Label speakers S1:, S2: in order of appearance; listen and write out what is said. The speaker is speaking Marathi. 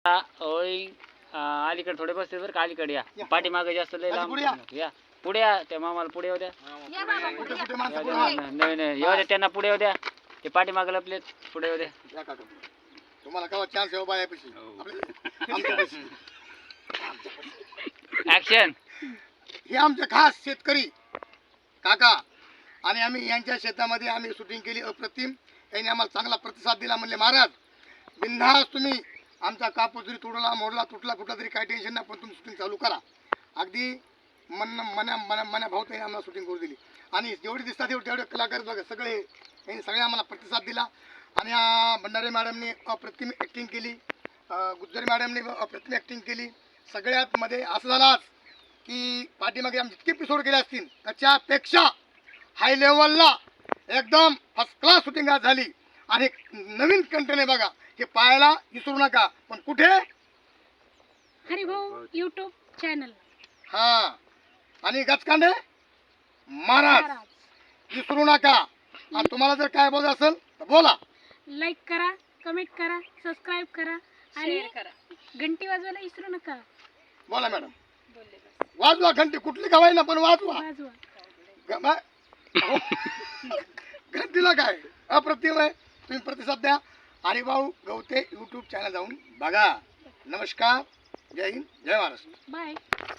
S1: ओळी अलीकडे थोडे बसते बरं का, अलीकडे या. पाठीमागे जास्त लय लांब या. पुढे या, त्या मामाला पुढे येऊ द्या. नाही नाही येऊ द्या, त्यांना पुढे येऊ द्या. ते पाठीमागे लपलेत, पुढे येऊ द्या.
S2: तुम्हाला केव्हा चान्स आहे बायापाशी
S1: ऍक्शन.
S2: हे आमचे खास शेतकरी काका आणि आम्ही यांच्या शेतामध्ये आम्ही शूटिंग केली अप्रतिम. यांनी आम्हाला चांगला प्रतिसाद दिला. म्हणले महाराज बिनधास्त तुम्ही आमचा कापूस जरी तुडला मोडला तुटला फुटला तरी काही टेन्शन नाही, पण तुम्ही शूटिंग चालू करा. अगदी मना भाऊ त्यांनी आम्हाला शूटिंग करू दिली. आणि जेवढे दिसतात तेवढे कलाकार बघा सगळे यांनी सगळे आम्हाला प्रतिसाद दिला. आणि भंडारे मॅडमने अप्रतिम ॲक्टिंग केली, गुज्जरी मॅडमने अप्रतिम ॲक्टिंग केली. सगळ्यात मध्ये असं झालं आज की पाठीमागे आम्ही जितके एपिसोड केले असतील त्याच्यापेक्षा हाय लेवलला एकदम फर्स्ट क्लास शूटिंग आज झाली. आणि नवीन कंटेंट आहे बघा, हे पाहायला विसरू नका. पण कुठे?
S3: Haribhau YouTube channel.
S2: हा, आणि गचकांडे महाराज विसरू नका. आणि तुम्हाला जर काय बोलायचं असेल तर बोला.
S3: लाईक करा, कमेंट करा, सबस्क्राईब करा आणि घंटी वाजवायला विसरू नका.
S2: बोला मॅडम. वाजवा घंटी, कुठली गवाय ना पण वाजवा. घंटीला काय अप्रतिम आहे. तुम्ही प्रतिसाद द्या. हरिभाऊ गवते यूट्यूब चॅनल जाऊन बघा. नमस्कार, जय हिंद, जय महाराष्ट्र.
S3: बाय.